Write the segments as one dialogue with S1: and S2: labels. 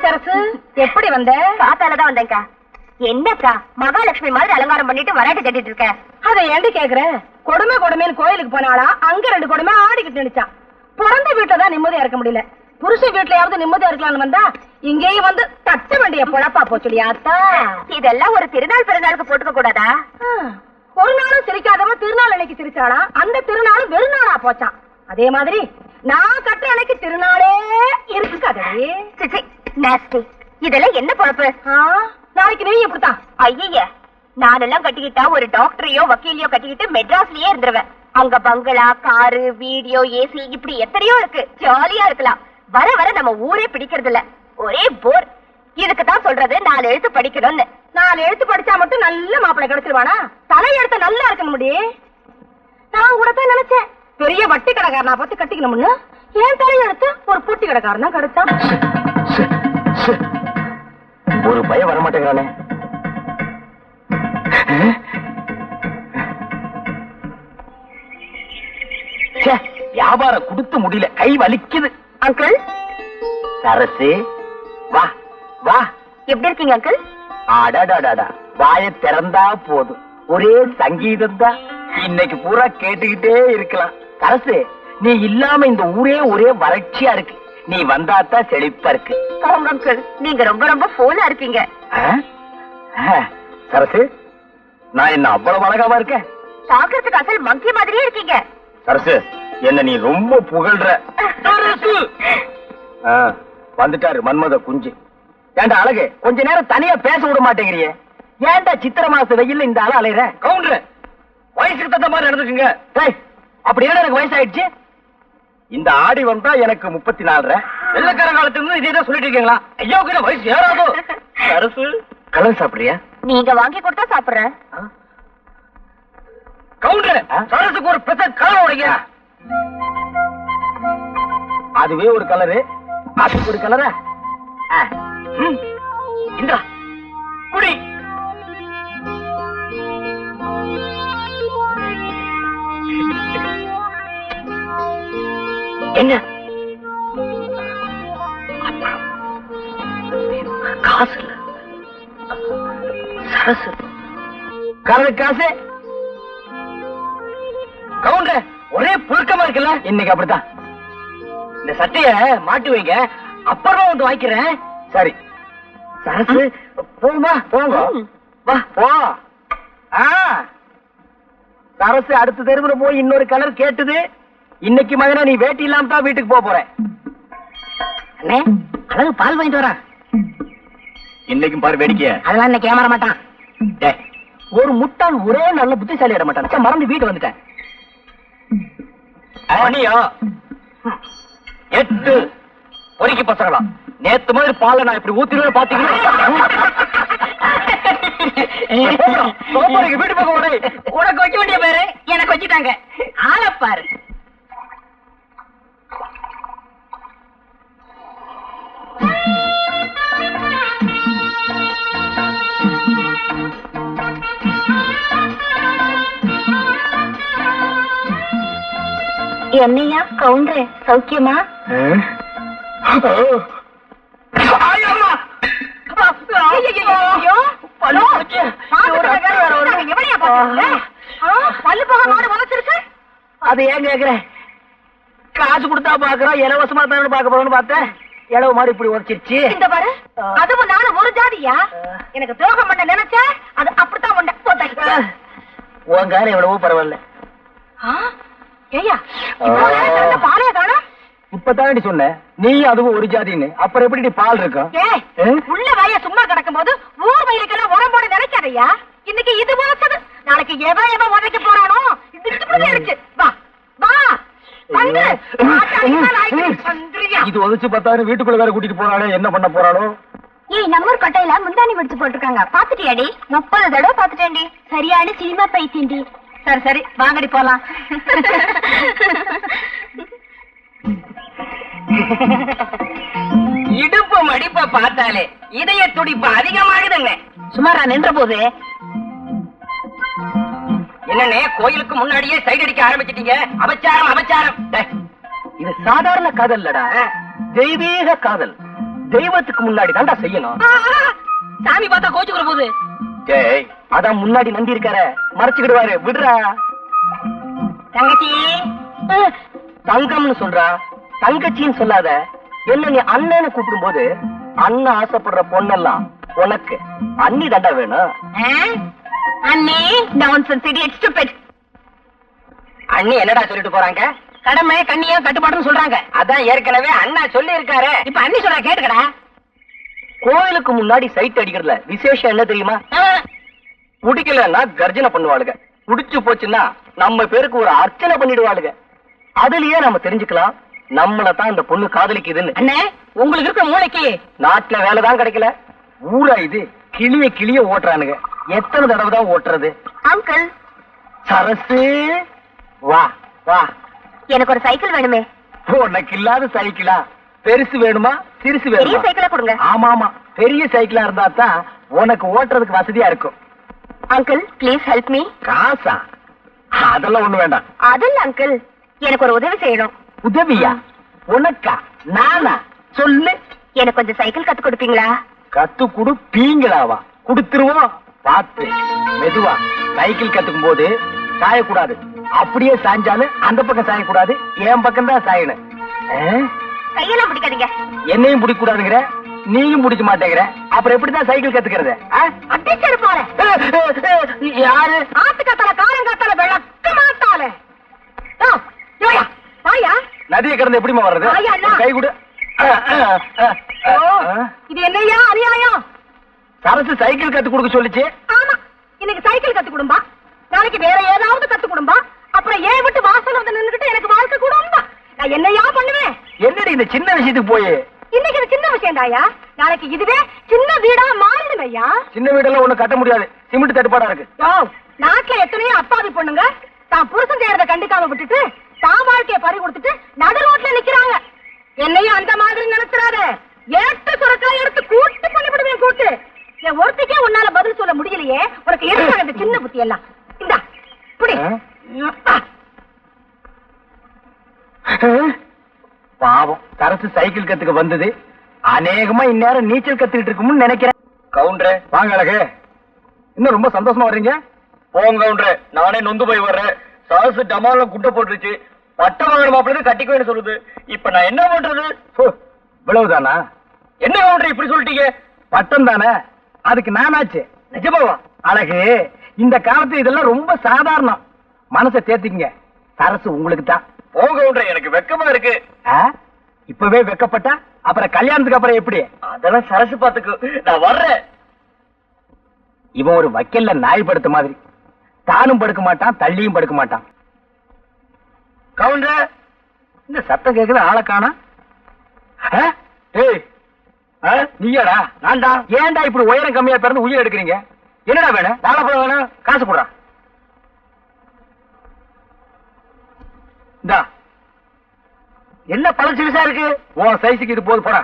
S1: சரசு, எப்படி வந்த?
S2: காத்தாலதான் வந்தேன்க்கா. என்னக்கா மகாலட்சுமி மாதிரி அலங்காரம் பண்ணிட்டு வராட்டி கட்டிட்டு இருக்க?
S1: அதை ஏண்டி கேக்குற? கொடுமை கொடுமைன்னு கோயிலுக்கு போனாளா, அங்க 2 கொடுமை ஆடிக்கிட்டு நினைச்சான். பிறந்த வீட்டுலதான் நிம்மதியா இருக்க முடியல. புருஷ வீட்டுலயாவது நிம்மதியா இருக்கலாம்னு வந்தா இங்கேயும் வந்து தட்ட வேண்டிய பொழப்பா போச்சுடியாத்தா.
S2: இதெல்லாம் ஒரு திருநாள் பிறநாளுக்கு போட்டுக்க கூடாதா?
S1: ஒரு நாளும் சிரிக்காதவ திருநாள் அன்னைக்கு சிரிச்சாளா, அந்த திருநாளும் வெறுநாளா போச்சான். அதே மாதிரி நான் கட்டுற அன்னைக்கு திருநாளே இருக்காதே.
S2: இதெல்லாம் என்ன பொழப்பு?
S1: நாளைக்கு நீ இப்படித்தான்.
S2: ஐய, நானெல்லாம் கட்டிக்கிட்டா ஒரு டாக்டரையோ வக்கீலையோ கட்டிக்கிட்டு மெட்ராஸ்லயே இருந்துருவேன். அங்க பங்களா, காரு, வீடியோ, ஏசி இப்படி எத்தனையோ இருக்கு. ஜாலியா இருக்கலாம். வர வர நம்ம ஊரே பிடிக்கிறது இல்ல, ஒரே போர். இதுக்கு தான் சொல்றது 4 எழுத்து படிக்கணும்னு.
S1: 4 எழுத்து படிச்சா மட்டும் நல்ல மாப்பிள்ளை கிடைச்சிருவானா? தலை எழுத்து நல்லா இருக்கணும் முடி. நான் கூட தான் நினைச்சேன் பெரிய வட்டி கடைக்காரனா பார்த்து கட்டிக்கணும்னு. ஏன் தலை எழுத்து ஒரு பொட்டி கடைக்காரன் தான் கிடைச்சான்.
S3: ஒரு பயம் வரமாட்டேங்கிறானே. வியாபாரம் கொடுத்து முடியல, கை வலிக்குது.
S2: அங்கிள்
S3: சரசு, வா வா.
S2: எப்படி இருக்கீங்க அங்கிள்?
S3: அடாடாடாடா, வாயை திறந்தா போதும், ஒரே சங்கீதம் தான். இன்னைக்கு பூரா கேட்டுக்கிட்டே இருக்கலாம். சரசு, நீ இல்லாம இந்த ஊரே ஒரே வறட்சியா இருக்கு. நீ வந்தாத்தான் செழிப்பா இருக்கு.
S2: அங்கிள், நீங்க ரொம்ப ரொம்ப போனா இருக்கீங்க.
S3: சரசு, நான் என்ன அவ்வளவு அழகாவா இருக்கேன்?
S2: பாக்குறதுக்கு அசல் மங்கி மாதிரியே இருக்கீங்க.
S3: சரசு, என்ன நீ ரொம்ப புகழ்ற. வந்துட்டாரு மன்மத குஞ்சு. ஏண்டா அழகு, கொஞ்ச நேரம் தனியா பேச விட மாட்டேங்கிறியே? ஏண்டா சித்திர மாச வெயில்ல இந்த ஆள அலையற? கவுண்டர், வயசுக்கு தகுந்த மாதிரி நடந்துக்குங்க. அப்படி ஏன்னா எனக்கு வயசாயிடுச்சு. இந்த ஆடி வந்தா எனக்கு 34. வெள்ளக்கார காலத்துல இதே தான் சொல்லிட்டு இருக்கீங்களா? ஐயோ, வயசு ஏறாதோ. சரசு, கலர் சாப்பிடுறியா?
S2: நீங்க வாங்கி கொடுத்தா சாப்பிடுறேன்.
S3: கவுண்டர், சரசுக்கு ஒரு பெத்த கலர் உடைங்க. அதுவே ஒரு கலரு, அதுக்கு ஒரு கலரா? இந்தா குடி. என்ன காசு இல்ல சரசு, கலர் காசு. கவுண்டர், ஒரே புழுக்கமா இருக்குல்ல? இன்னைக்கு அப்படித்தான். இந்த சட்டைய மாட்டி வைங்க, அப்புறமா வந்து வாங்கிக்கிறேன். சரி சரசு, போகுமா? போங்க, வா போ. சரசு அடுத்த தெருவுல போய் இன்னொரு கலர் கேட்டுது. இன்னைக்கு மகனா நீ வேட்டி இல்லாம தான் வீட்டுக்கு போக போறேன். அண்ணே, அழகு பால் வாங்கிட்டு வரேன். இன்னைக்கும் பாரு வேடிக்கை. அதெல்லாம் இன்னைக்கு ஏமாற மாட்டான். ஒரு முட்டாள் ஒரே நல்ல புத்திசாலி ஆட மாட்டான். மறந்து வீட்டு வந்துட்டேன். மணியா 8 பொறுக்கி பசங்களா, நேத்து மாதிரி பாலை நான் இப்படி ஊத்திடுவேன் பாத்தீங்களா? வீட்டு பக்கம் உனக்கு வைக்க வேண்டிய பேரு எனக்கு வச்சுட்டாங்க. ஆளப்பாரு.
S2: என்னையா கவுண்டர், சௌக்கியமா?
S3: அது ஏன் கேக்குறேன்? காசு கொடுத்தா பாக்குறோம், இலவசமா தான் பாக்க போறோம்னு பார்த்தேன். இளவு மாதிரி இப்படி உரைச்சிருச்சு.
S1: இந்த பாரு, அதுவும் நானும் ஒரு ஜாதியா? எனக்கு துரோகம் பண்ண நினைச்ச அது அப்படித்தான் உண்ட.
S3: உன் காரம் எவ்வளவோ பரவாயில்ல.
S1: ஏய்யா, பாலைய காணோம்.
S3: இப்பதானடி சொன்ன நீ அதுவும் ஒரு ஜாதின்னு, அப்புறம் எப்படி பால் இருக்கும்?
S1: உள்ள வாய சும்மா கிடக்கும் போது ஊர் வயிறுக்கெல்லாம் உடம்போடு நினைக்காதையா. இன்னைக்கு இது வளர்த்தது, நாளைக்கு எவன் எவன் உதைக்க போறானோ இது. வா வா,
S3: இது உதச்சு பார்த்தாரு. வீட்டுக்குள்ள வேற கூட்டிட்டு போறாளே, என்ன பண்ண போறாளோ?
S2: ஏய், நம்ம கட்டையில முந்தானி வடிச்சு போட்டிருக்காங்க, பாத்துட்டியாடி? 30 தடவை பாத்துட்டேன்டி. சரியான சினிமா பைத்தியண்டி.
S1: சரி சரி, வாங்கடி போலாம்.
S4: இடுப்பு மடிப்ப பார்த்தாலே இதய துடிப்பு அதிகமாகுதுங்க.
S1: சுமாரா நின்ற போது
S4: என்னன்னே, கோயிலுக்கு முன்னாடியே சைடு அடிக்க ஆரம்பிச்சிட்டீங்க. அபச்சாரம் அபச்சாரம்.
S3: இது சாதாரண காதல் இல்லடா, தெய்வீக காதல். தெய்வத்துக்கு முன்னாடி தான்டா செய்யணும்.
S1: சாமி பார்த்தா கோச்சுக்கிற போது.
S3: டேய், அதான் முன்னாடி நந்தி இருக்கார, மறைச்சுக்கிடுவாரு, விடுறா.
S1: தங்கச்சி
S3: தங்கம்னு சொல்றா, தங்கச்சின்னு சொல்லாத. என்ன நீ அண்ணன்னு கூப்பிடும் போது அண்ணன் ஆசைப்படுற பொண்ணெல்லாம் உனக்கு அண்ணி தாண்டா வேணும்.
S2: அண்ணே நான்சென்ஸ் இடியட் ஸ்டூபிட்.
S3: அண்ணி என்னடா சொல்லிட்டு போறாங்க?
S1: கடமை கண்ணியா கட்டுப்பாடுன்னு சொல்றாங்க.
S3: அதான் ஏற்கனவே அண்ணா சொல்லி இருக்காரு.
S1: இப்ப அண்ணி சொல்ற கேட்டுக்கடா.
S3: கோயிலுக்கு முன்னாடி சைட் அடிக்கிறதுல விசேஷம் என்ன தெரியுமா? பிடிக்கலன்னா கர்ஜனை பண்ணுவாளுங்க, புடிச்சு போச்சுன்னா நம்ம பேருக்கு ஒரு அர்ச்சனை பண்ணிடுவாளுங்க. அதுலயே நம்ம தெரிஞ்சுக்கலாம் நம்மள தான் இந்த பொண்ணு காதலிக்குதுன்னு.
S1: அண்ணே, உங்களுக்கு இருக்க மூளைக்கு
S3: நாட்டுல வேலைதான் கிடைக்கல, ஊரா இது கிளிய கிளிய ஓட்டுறானுங்க. எத்தனை தடவை தான் ஓட்டுறது?
S2: அங்கிள்
S3: சரசு, வா வா.
S2: எனக்கு ஒரு சைக்கிள் வேணுமே.
S3: உனக்கு இல்லாத சைக்கிளா? பெருசு வேணுமா சிறுசு
S2: பெரிய
S3: வேணுமா?
S2: சைக்கிளா கொடுங்க.
S3: ஆமா ஆமா, பெரிய சைக்கிளா இருந்தா தான் உனக்கு ஓட்டுறதுக்கு வசதியா இருக்கும்.
S2: Uncle please help me.
S3: காசா? அதெல்லாம் ஒண்ணு வேண்டாம்.
S2: அதில்ல அங்கிள், எனக்கு ஒரு உதவி செய்யணும்.
S3: உதவியா? உனக்கா? நானா? சொல்லு.
S2: எனக்கு கொஞ்சம் சைக்கிள் கத்து கொடுப்பீங்களா?
S3: கத்து கொடுப்பீங்களாவா? கொடுத்துருவோம். பார்த்து மெதுவா. சைக்கிள் கத்துக்கும் போது சாயக்கூடாது. அப்படியே சாஞ்சாலும் அந்த பக்கம் சாயக்கூடாது, என் பக்கம் தான் சாயணும்.
S2: கையெல்லாம் பிடிக்காதீங்க.
S3: என்னையும் பிடிக்க கூடாதுங்கிற, நீயும் பிடிக்க மாட்டேங்கிற, அப்புறம் எப்படிதான் சைக்கிள் கத்துக்கிறது?
S2: அடிச்சது போறேன்.
S3: யாரு?
S1: ஆத்து கத்தால காரம் கத்தால விளக்க மாட்டாளே. வாயா,
S3: நதியை கடந்து எப்படிமா வர்றது?
S1: ஐயா, அண்ணா.
S3: கை கொடு.
S1: இது என்னையா அநியாயம்?
S3: சரசு சைக்கிள் கத்து கொடுக்க சொல்லிச்சு.
S1: ஆமா, இன்னைக்கு சைக்கிள் கத்து கொடும்பா, நாளைக்கு வேற ஏதாவது கத்து கொடும்பா, அப்புறம் ஏன் விட்டு வாசல் வந்து நின்னுகிட்டு எனக்கு வாழ்க்கை கொடும்பா. நான் என்னையா பண்ணுவேன்?
S3: என்னடி இந்த சின்ன விஷயத்துக்கு போய்?
S1: இன்னைக்கு இது சின்ன விஷயம் தாயா, நாளைக்கு இதுவே சின்ன வீடா மாறிடும் ஐயா.
S3: சின்ன வீடெல்லாம் ஒண்ணு கட்ட முடியாது, சிமெண்ட் தட்டுப்பாடா இருக்கு.
S1: நாட்டுல எத்தனையோ அப்பாவி பொண்ணுங்க தான் புருஷன் செய்யறத கண்டுக்காம விட்டுட்டு தான் வாழ்க்கைய பறி கொடுத்துட்டு நடு ரோட்ல நிக்கிறாங்க. என்னையும் அந்த மாதிரி நினைச்சிடாத. ஏட்டு சுரக்காய் எடுத்து கூட்டு பண்ணிவிடுவேன். கூட்டு என் ஒருத்திக்கே உன்னால பதில் சொல்ல முடியலையே, உனக்கு எதுக்காக இந்த சின்ன புத்தி எல்லாம்? இந்தா புடி.
S3: பாவம், சரசு சைக்கிள் கத்துக்க வந்தது அநேகமா இந்நேரம் நீச்சல் கத்துக்கிட்டு இருக்கும்னு நினைக்கிறேன். கவுண்டரே வாங்க. அழகு, இன்னும் ரொம்ப சந்தோஷமா வர்றீங்க. போங்க கவுண்டரே, நானே நொந்து போய் வர்றேன். சரசு டமால குட்டை போட்டுருச்சு, பட்டம் வாங்கின மாப்பிள்ளை கட்டிக்குவேன்னு சொல்லுது. இப்ப நான் என்ன பண்றது? இவ்வளவுதானா? என்ன கவுண்டர் இப்படி சொல்லிட்டீங்க? பட்டம் தானே, அதுக்கு நானாச்சு. நிஜமாவா? அழகு, இந்த காலத்து இதெல்லாம் ரொம்ப சாதாரணம். மனசை தேத்திக்கங்க, சரசு உங்களுக்கு தான். போங்க கவுண்டர், எனக்கு வெக்கமா இருக்கு. இப்பவே வெக்கப்பட்டா அப்புறம் கல்யாணத்துக்கு அப்புறம் எப்படி? அதெல்லாம் சரசு பாத்துக்கு, நான் வர்றேன். இவன் ஒரு வக்கீல்ல நாய் படுத்த மாதிரி, தானும் படுக்க மாட்டான் தள்ளியும் படுக்க மாட்டான். கவுண்டர், இந்த சத்தம் கேக்குது, ஆளை காணா. நீயாடா? நான்டா. ஏன்டா இப்படி உயரம் கம்மியா பிறந்து உயிர் எடுக்கிறீங்க? என்னடா வேணும்? வாழைப்பழம் வேணும், காசு போடுறா. இந்தா, என்ன பழம் சிறுசா இருக்கு? உன் சைஸுக்கு இது போது, போடா.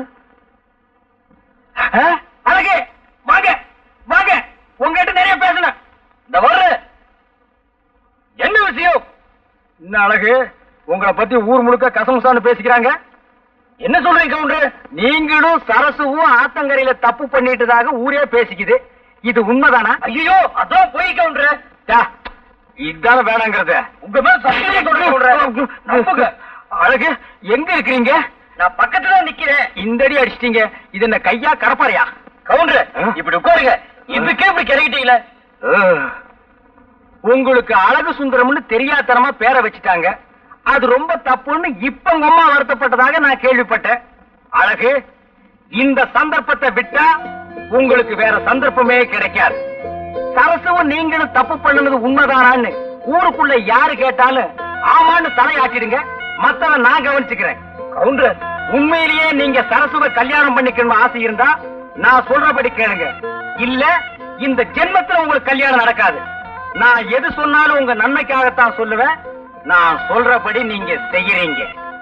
S3: அழகு, வாங்க வாங்க, உங்ககிட்ட நிறைய பேசணும். இந்த வர்ற என்ன விஷயம்? என்ன அழகு, உங்களை பத்தி ஊர் முழுக்க கசமுசான்னு பேசிக்கிறாங்க. என்ன சொல்றீங்க கவுண்டர்? நீங்களும் சரசுவும் ஆத்தங்கரையில தப்பு பண்ணிட்டதாக ஊரே பேசிக்குது, இது உண்மைதானா? ஐயோ, அதான் போய் கவுண்டர். இதான வேணாங்கிறத உங்க மேல சத்தியம் சொல்றேன். அழகு, எங்க இருக்கிறீங்க? நான் பக்கத்துல நிக்கிறேன். இந்த அடி அடிச்சிட்டீங்க, இது என்ன கையா கடப்பாறையா? கவுண்டர், இப்படி உட்காருங்க. இதுக்கே இப்படி கிடைக்கிட்டீங்களே. உங்களுக்கு அழகு சுந்தரம்னு தெரியாதனமா பேரை வச்சுட்டாங்க, அது ரொம்ப தப்புன்னு இப்ப உங்க அம்மா வருத்தப்பட்டதாக நான் கேள்விப்பட்டேன். அழகு, இந்த சந்தர்ப்பத்தை விட்டா உங்களுக்கு வேற சந்தர்ப்பமே கிடைக்காது. சரசுவும் நீங்களும் தப்பு பண்ணுனது உண்மைதானான்னு ஊருக்குள்ள யாரு கேட்டாலும் ஆமான்னு தலையாட்டிடுங்க, மத்தவன் நான் கவனிச்சுக்கிறேன். கவுண்டர், உண்மையிலேயே நீங்க சரசுவை கல்யாணம் பண்ணிக்கணும் ஆசை இருந்தா நான் சொல்றபடி கேளுங்க, இல்ல இந்த ஜென்மத்துல உங்களுக்கு கல்யாணம் நடக்காது. நான் எது சொன்னாலும் உங்க நன்மைக்காகத்தான் சொல்லுவேன். நான் சொல்றபடி நீங்க செய்யறீங்க.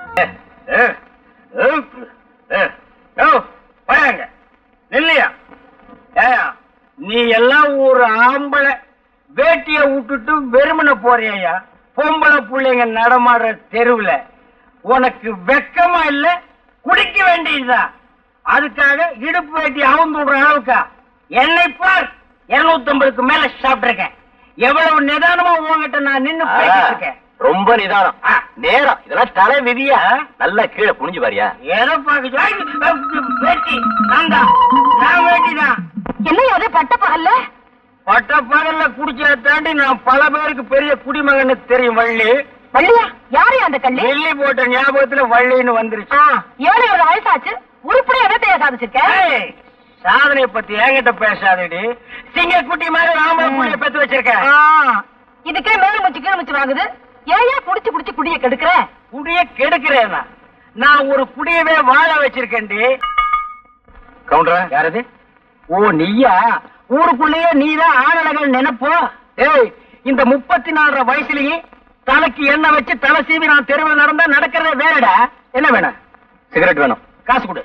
S3: இல்லையா? நீ எல்லாம் ஒரு ஆம்பளை வேட்டிய விட்டுட்டு வெறுமனை போறியா? பொம்பளை பிள்ளைங்க நடமாடுற தெருவுல உனக்கு வெக்கமா இல்ல? குடிக்க வேண்டியதா? அதுக்காக இடுப்பு வேட்டி அவுந்து விடுற அளவுக்கா? என்னை பார், 250க்கு மேல சாப்பிட்டிருக்கேன். எவ்வளவு நிதானமா உங்ககிட்ட நான் நின்னு பேசிட்டு இருக்கேன்.
S5: ரொம்ப நிதானம். நேரம் இதெல்லாம் தலை விதியா. நல்லா கீழே புனிஞ்சு பாரியா.
S3: ஏதோ பாக்க வேட்டி நான் வேட்டிதான்.
S1: என்ன அது பட்ட பகல்ல?
S3: பட்ட பகல்ல குடிச்சத தாண்டி நான் பல பேருக்கு பெரிய குடிமகன்னு தெரியும். வள்ளி
S1: வள்ளியா? யாரு அந்த கள்ளி?
S3: வெள்ளி போட்ட ஞாபகத்துல வள்ளின்னு வந்துருச்சு.
S1: 7 வயசாச்சு, உருப்படியா எதை சாதிச்சிருக்க?
S3: ஏய், சாதனைய பத்தி என்கிட்ட பேசாதடி. சிங்கக்குட்டி மாதிரி ஆம்பளை புள்ளைய பெத்து வச்சிருக்க.
S1: இதுக்கே மேல முச்சு கீழ முச்சு வாங்குது. ஏயா குடிச்சு குடிச்சு குடிய கெடுக்கிற?
S3: குடிய கெடுக்கிறேனா? நான் ஒரு குடியவே வாழ வச்சிருக்கேன்டி.
S5: கவுண்டரா
S3: யாரது? ஓ நீயா? ஊருக்குள்ளேயே நீதான் ஆணழகன் நினைப்போ? ஏய், இந்த 34 வயசுலயே தலைக்கு எண்ணெய் வச்சு தலை சீவி நான் தெருவில் நடந்தா நடக்கிறதே வேறடா. என்ன வேணும்?
S5: சிகரெட் வேணும்.
S3: காசு கொடு.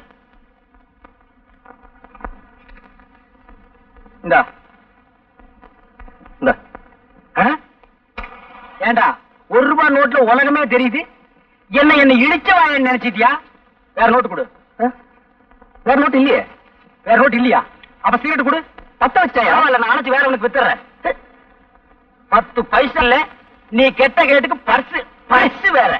S3: இந்தா.
S5: இந்த
S3: ஏண்டா, ₹1 நோட்ல உலகமே தெரியுது. என்ன இழிச்சவாயன்னு நினைச்சிட்டியா? வேற நோட்டு கொடு. வேற நோட்டு இல்லையே. வேற நோட்டு இல்லையா? அப்ப சிகரெட் கொடு. 10 வச்சாயா? இல்ல நான் அணைச்சு வேற உனக்கு வித்துறேன். 10 பைசா இல்ல. நீ கெட்ட கேட்டுக்கு பர்ஸ் வேற.